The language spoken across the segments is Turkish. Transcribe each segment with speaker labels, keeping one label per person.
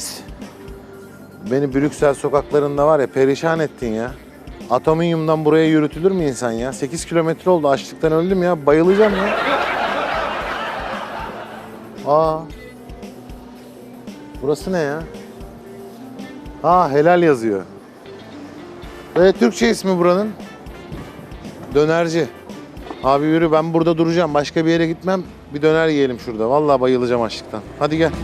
Speaker 1: Reis. Beni Brüksel sokaklarında var ya perişan ettin ya. Atominyumdan buraya yürütülür mü insan ya? 8 kilometre oldu, açlıktan öldüm ya. Bayılacağım ya. Aa. Burası ne ya? Ha, helal yazıyor. Türkçe ismi buranın. Dönerci. Abi yürü, ben burada duracağım. Başka bir yere gitmem. Bir döner yiyelim şurada. Vallahi bayılacağım açlıktan. Hadi gel.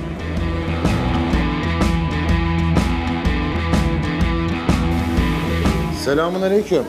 Speaker 1: Selamünaleyküm.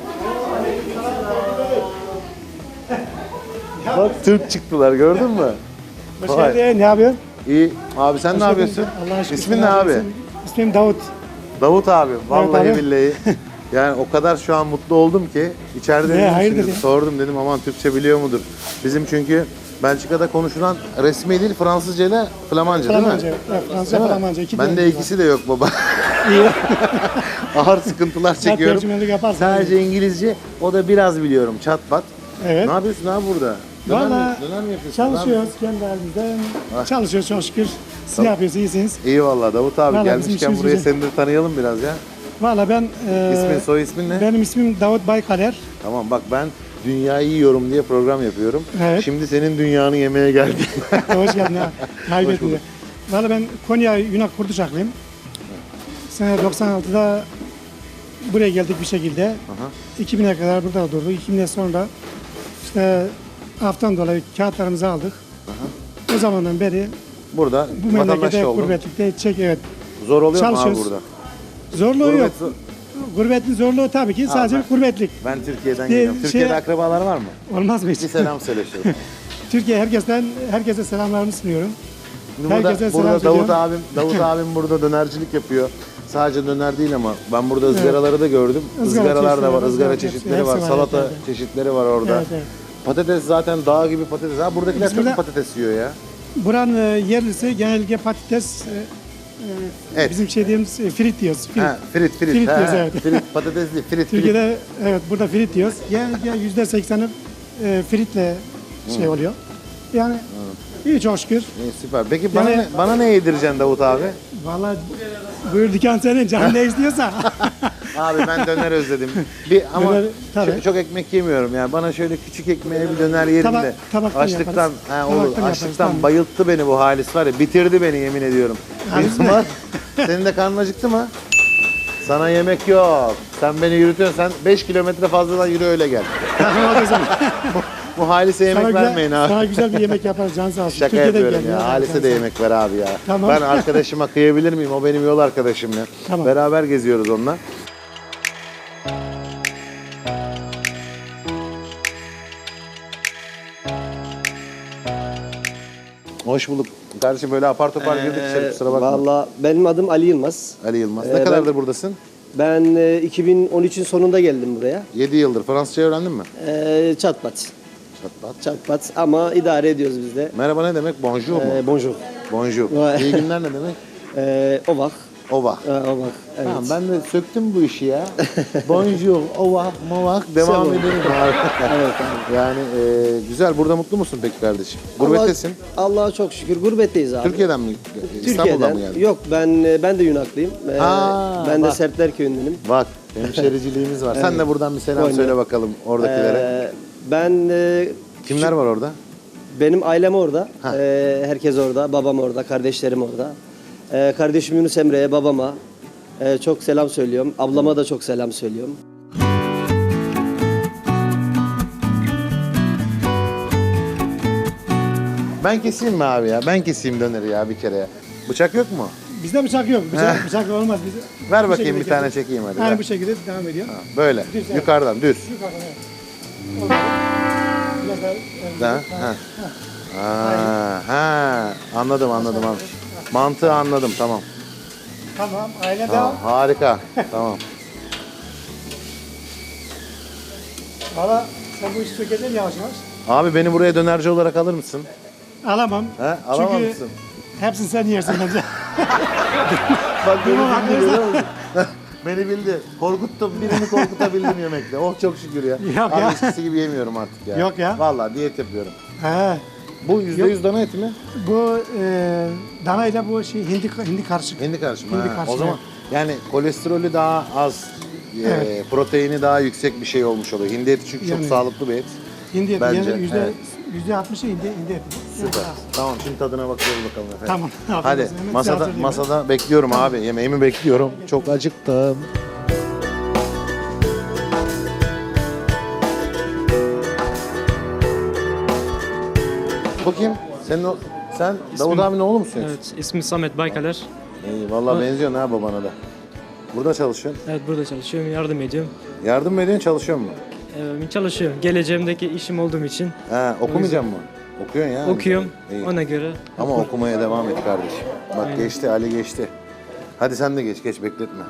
Speaker 1: Bak Türk çıktılar, gördün mü?
Speaker 2: Hoş geldin. Ne yapıyorsun?
Speaker 1: İyi. Abi sen ne yapıyorsun?
Speaker 2: Allah'a şükür.
Speaker 1: İsmin ne abi?
Speaker 2: İsmim Davut.
Speaker 1: Davut abi. Vallahi
Speaker 2: Evet abi.
Speaker 1: billahi. Yani o kadar şu an mutlu oldum ki içeride dedim,
Speaker 2: hayırdır
Speaker 1: şimdi
Speaker 2: ya?
Speaker 1: sordum dedim aman Türkçe biliyor mudur? Bizim çünkü Belçika'da konuşulan resmi dil Fransızca ile Flamanca değil mi?
Speaker 2: Flamanca. Evet, Fransızca,
Speaker 1: Değil mi?
Speaker 2: Flamanca. İki
Speaker 1: Bende
Speaker 2: dilimiz
Speaker 1: ikisi de yok baba.
Speaker 2: İyi.
Speaker 1: Ağır sıkıntılar çekiyorum.
Speaker 2: tercümanlık yaparsın.
Speaker 1: Sadece İngilizce, o da biraz biliyorum çat pat.
Speaker 2: Evet.
Speaker 1: Ne yapıyorsun abi burada?
Speaker 2: Valla
Speaker 1: Döner mi yapıyorsun?
Speaker 2: çalışıyoruz kendi halimizde.
Speaker 1: Ah.
Speaker 2: Çalışıyoruz çok şükür. Siz ne yapıyorsunuz? İyisiniz.
Speaker 1: İyi vallahi Davut abi,
Speaker 2: Vallahi bizim
Speaker 1: gelmişken
Speaker 2: işimiz
Speaker 1: burayı
Speaker 2: güzel.
Speaker 1: seni de tanıyalım biraz ya.
Speaker 2: Valla ben...
Speaker 1: İsmin, soy ismin ne?
Speaker 2: Benim ismim Davut Baykaler.
Speaker 1: Tamam bak, ben dünyayı yiyorum diye program yapıyorum.
Speaker 2: Evet.
Speaker 1: Şimdi senin dünyanı yemeye geldim.
Speaker 2: Hoş geldin ha.
Speaker 1: Hoş
Speaker 2: Kaybettin.
Speaker 1: bulduk.
Speaker 2: Valla ben Konya Yunak Kurtuşaklıyım. Sene 96'da buraya geldik bir şekilde.
Speaker 1: Aha.
Speaker 2: 2000'e kadar burada durduk. 2000'den sonra işte haftan dolayı kağıtlarımızı aldık. O zamandan beri
Speaker 1: Burada
Speaker 2: bu
Speaker 1: vatandaş
Speaker 2: memlekete
Speaker 1: oldun.
Speaker 2: gurbetlikte evet.
Speaker 1: Zor oluyor mu abi
Speaker 2: Çalışıyoruz.
Speaker 1: burada?
Speaker 2: Zorluğu
Speaker 1: Gurbet
Speaker 2: yok.
Speaker 1: zor.
Speaker 2: Gurbetin zorluğu tabii ki sadece
Speaker 1: ben-
Speaker 2: gurbetlik.
Speaker 1: Ben Türkiye'den
Speaker 2: Bir
Speaker 1: geliyorum.
Speaker 2: şey-
Speaker 1: Türkiye'de akrabalar var mı?
Speaker 2: Olmaz mı hiç?
Speaker 1: Bir selam söyle şöyle.
Speaker 2: Türkiye herkese selamlarımı sunuyorum.
Speaker 1: Şimdi
Speaker 2: Herkese
Speaker 1: burada
Speaker 2: selam
Speaker 1: Davut abim burada dönercilik yapıyor. Sadece döner değil ama ben burada ızgaraları da gördüm.
Speaker 2: Izgara
Speaker 1: Izgaralar da var,
Speaker 2: çeşitleri,
Speaker 1: ızgara
Speaker 2: hepsi
Speaker 1: çeşitleri
Speaker 2: var,
Speaker 1: var, salata
Speaker 2: evet.
Speaker 1: çeşitleri var orada.
Speaker 2: Evet, evet.
Speaker 1: Patates zaten dağ gibi patates. Ha, buradakiler
Speaker 2: Biz
Speaker 1: çok
Speaker 2: burada-
Speaker 1: patates yiyor ya.
Speaker 2: Buranın yerlisi genellikle patates,
Speaker 1: Et.
Speaker 2: bizim şey diyoruz frit diyoruz. Frit.
Speaker 1: Ha, frit.
Speaker 2: Frit
Speaker 1: Ha,
Speaker 2: diyoruz, evet.
Speaker 1: Frit, patates değil, frit.
Speaker 2: Türkiye'de evet burada frit diyoruz. Genellikle %80'i fritle şey oluyor. Yani iyi çok şükür.
Speaker 1: İyi, süper. Peki bana,
Speaker 2: Yani-
Speaker 1: bana ne yedireceksin Davut abi?
Speaker 2: Vallahi buyur dükkan senin, can ne istiyorsa.
Speaker 1: Abi ben döner özledim. Ama
Speaker 2: Döner, tabii.
Speaker 1: çok ekmek yemiyorum yani. Bana şöyle küçük ekmeğe bir döner yerim de.
Speaker 2: Tabaktan
Speaker 1: Açlıktan,
Speaker 2: yaparız.
Speaker 1: ha, olur.
Speaker 2: Tabaktan yaparız,
Speaker 1: Açlıktan
Speaker 2: tamam.
Speaker 1: bayılttı beni bu halis var ya. Bitirdi beni, yemin ediyorum.
Speaker 2: Halis
Speaker 1: Benim
Speaker 2: mi?
Speaker 1: var. Senin de karnın acıktı mı? Sana yemek yok. Sen beni yürütüyorsun. Sen 5 kilometre fazladan yürü öyle gel.
Speaker 2: Tamam o zaman.
Speaker 1: Bu halise yemek vermeyin abi.
Speaker 2: Sana güzel bir yemek yaparız can sağ olsun.
Speaker 1: Şaka
Speaker 2: Türkiye'den
Speaker 1: yapıyorum
Speaker 2: geliyor.
Speaker 1: ya. Halise de yemek ver abi ya.
Speaker 2: Tamam.
Speaker 1: Ben arkadaşıma kıyabilir miyim? O benim yol arkadaşım ya.
Speaker 2: Tamam.
Speaker 1: Beraber geziyoruz onunla. Hoş bulduk. Kardeşim böyle apar topar girdik içeri, kusura bakma.
Speaker 3: Valla benim adım Ali Yılmaz.
Speaker 1: Ali Yılmaz. Ne
Speaker 3: ben-
Speaker 1: kadardır buradasın?
Speaker 3: Ben 2013'ün sonunda geldim buraya.
Speaker 1: 7 yıldır. Fransızca öğrendin mi?
Speaker 3: Çatpat.
Speaker 1: Çatlat.
Speaker 3: Çatpat ama idare ediyoruz biz de.
Speaker 1: Merhaba ne demek? Bonjour mu?
Speaker 3: Bonjour.
Speaker 1: Bonjour.
Speaker 3: Ouais.
Speaker 1: İyi günler ne demek?
Speaker 3: Ovak.
Speaker 1: Ova.
Speaker 3: Ovak. Evet.
Speaker 1: Tamam, ben de söktüm bu işi ya. Bonjour, ova, movak devam
Speaker 3: Selam.
Speaker 1: edelim.
Speaker 3: Evet,
Speaker 1: Yani güzel. Burada mutlu musun peki kardeşim? Gurbettesin.
Speaker 3: Allah'a çok şükür gurbetteyiz abi.
Speaker 1: Türkiye'den mi? İstanbul'dan mı geldin?
Speaker 3: Yok ben de Yunaklıyım. Ben de
Speaker 1: bak.
Speaker 3: Serpler köyündenim.
Speaker 1: Bak, hemşericiliğimiz var. Sen de buradan bir selam
Speaker 3: Oyna.
Speaker 1: söyle bakalım oradakilere.
Speaker 3: Ben
Speaker 1: Kimler var orada?
Speaker 3: benim ailem orada.
Speaker 1: Ha.
Speaker 3: Herkes orada. Babam orada. Kardeşlerim orada. Kardeşim Yunus Emre'ye, babama çok selam söylüyorum. Ablama da çok selam söylüyorum.
Speaker 1: Ben keseyim mi abi ya? Ben keseyim döneri ya bir kere ya. Bıçak yok mu?
Speaker 2: Bizde bıçak yok. Bıçak olmaz bize.
Speaker 1: Ver
Speaker 2: Bu
Speaker 1: bakayım
Speaker 2: şekilde
Speaker 1: bir tane
Speaker 2: kesiyoruz.
Speaker 1: çekeyim hadi.
Speaker 2: Aynen
Speaker 1: ver.
Speaker 2: bu şekilde devam ediyor.
Speaker 1: Böyle,
Speaker 2: Düz, evet.
Speaker 1: yukarıdan düz.
Speaker 2: Yukarıdan evet. Olmadı. Biraz daha, evet.
Speaker 1: Ha, ha. Ha, anladım. Mantığı anladım, tamam.
Speaker 2: Tamam, aile
Speaker 1: Tamam,
Speaker 2: devam.
Speaker 1: harika. Tamam.
Speaker 2: Valla sen bu işi sökeceksin yavaş yavaş.
Speaker 1: Abi beni buraya dönerci olarak alır mısın?
Speaker 2: Alamam.
Speaker 1: He, alamam
Speaker 2: Çünkü
Speaker 1: mısın?
Speaker 2: hepsini sen yersin bence.
Speaker 1: Bak beni
Speaker 2: Tamam,
Speaker 1: bildi,
Speaker 2: haklısın.
Speaker 1: görüyor musun? Beni bildi. Korkuttum. Birini korkutabildim yemekle. Oh çok şükür ya.
Speaker 2: Yok
Speaker 1: Abi
Speaker 2: ya.
Speaker 1: eskisi gibi yemiyorum artık ya.
Speaker 2: Yok ya.
Speaker 1: Vallahi diyet yapıyorum.
Speaker 2: He.
Speaker 1: Bu %100 dana eti mi?
Speaker 2: Bu dana ile bu şey hindi karışık.
Speaker 1: Hindi karışımı.
Speaker 2: Hindi
Speaker 1: Ha,
Speaker 2: karışımı.
Speaker 1: o zaman yani kolesterolü daha az, proteini daha yüksek bir şey olmuş oluyor. Hindi eti çünkü çok
Speaker 2: Yani-
Speaker 1: sağlıklı bir et.
Speaker 2: Hindi eti.
Speaker 1: Bence,
Speaker 2: Yani
Speaker 1: evet.
Speaker 2: %60'ı hindi eti.
Speaker 1: Süper. Tamam şimdi tadına bakıyoruz bakalım efendim.
Speaker 2: Tamam.
Speaker 1: Hadi
Speaker 2: Afiyet olsun. Hemen size
Speaker 1: masada
Speaker 2: hazırlayayım.
Speaker 1: masada bekliyorum abi. Yemeğimi bekliyorum. Çok acıktım. Bu kim? Sen Davut abinin oğlu musun?
Speaker 4: Evet, ismi Samet Baykaler.
Speaker 1: İyi vallahi benziyorsun ha babana da. Burada çalışıyorsun.
Speaker 4: Evet, burada çalışıyorum, yardım ediyorum.
Speaker 1: Yardım mı ediyorsun, çalışıyor mu?
Speaker 4: Çalışıyorum. Geleceğimdeki işim olduğum için
Speaker 1: Ha, okumayacak mı? Okuyorsun ya.
Speaker 4: okuyorum.
Speaker 1: İyi.
Speaker 4: Ona göre
Speaker 1: Ama okumaya devam et kardeşim. Bak
Speaker 4: Aynen.
Speaker 1: geçti, Ali geçti. Hadi sen de geç bekletme.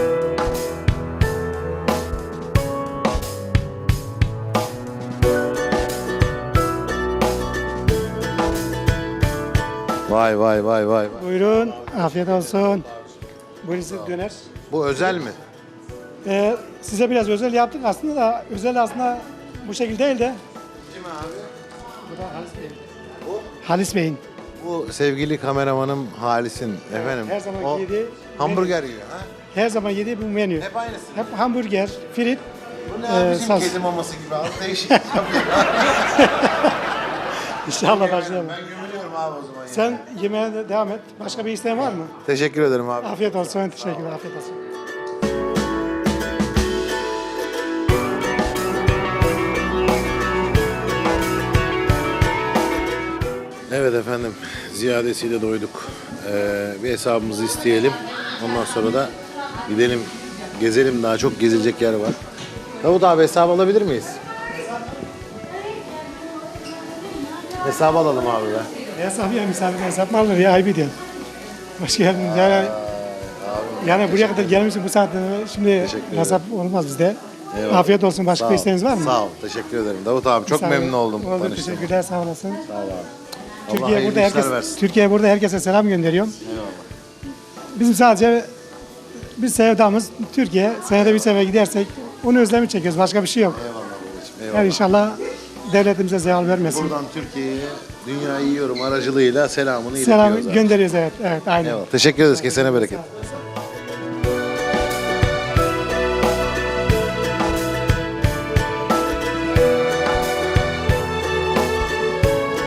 Speaker 1: Vay vay vay vay.
Speaker 2: Buyurun. Afiyet olsun. Buyurun size döner.
Speaker 1: Bu özel mi?
Speaker 2: Size biraz özel yaptık aslında da özel aslında bu şekilde değil de.
Speaker 1: Kim abi?
Speaker 2: Bu da Halis Bey'in. Halis Bey'in.
Speaker 1: Bu sevgili kameramanım Halis'in efendim.
Speaker 2: her zaman
Speaker 1: o
Speaker 2: yediği
Speaker 1: hamburger yiyor ha?
Speaker 2: Her zaman yediği bu menü.
Speaker 1: Hep aynısı.
Speaker 2: Hep hamburger, frit.
Speaker 1: Bu ne abi bizim
Speaker 2: sas.
Speaker 1: kedi maması gibi abi değişik yapıyor.
Speaker 2: İnşallah başlayalım.
Speaker 1: Ben gömülüyorum abi o zaman. ya.
Speaker 2: Sen yemeğe de devam et. Başka bir isteğin var mı?
Speaker 1: Teşekkür ederim abi.
Speaker 2: Afiyet olsun. Teşekkürler. Afiyet olsun.
Speaker 1: Evet efendim, ziyadesiyle doyduk. Bir hesabımızı isteyelim. Ondan sonra da gidelim, gezelim. Daha çok gezilecek yer var. Davut abi hesabı alabilir miyiz? Hesabı alalım abi be.
Speaker 2: Hesap ya misafir hesap mı alır ya? Ayıp ediyorsun. Hoş geldin. Yani buraya kadar gelmişsin bu saatte. Şimdi
Speaker 1: Teşekkür ederim.
Speaker 2: hesap olmaz bizde.
Speaker 1: Eyvallah.
Speaker 2: Afiyet olsun. Başka
Speaker 1: Sağ
Speaker 2: bir
Speaker 1: ol.
Speaker 2: isteğiniz var mı?
Speaker 1: Sağ ol, teşekkür ederim. Davut abi çok
Speaker 2: Sağ ol.
Speaker 1: memnun oldum.
Speaker 2: Oldu,
Speaker 1: tanıştığıma.
Speaker 2: teşekkürler. Sağ olasın.
Speaker 1: Sağ ol abi. Allah
Speaker 2: Türkiye
Speaker 1: hayırlı
Speaker 2: burada
Speaker 1: işler versin.
Speaker 2: Türkiye burada herkese selam gönderiyorum.
Speaker 1: Eyvallah.
Speaker 2: Bizim sadece bir sevdamız Türkiye. Senede bir sefer gidersek onu özlemi çekiyoruz. Başka bir şey yok.
Speaker 1: Eyvallah babacığım. Eyvallah.
Speaker 2: Yani inşallah devletimize zeval vermesin.
Speaker 1: Buradan Türkiye'ye Dünyayı Yiyorum aracılığıyla selamını
Speaker 2: Selam
Speaker 1: iletiyoruz abi.
Speaker 2: gönderiyoruz evet. Evet aynen.
Speaker 1: Eyvallah. Teşekkür ederiz. Kesene bereket.
Speaker 2: Sağ ol.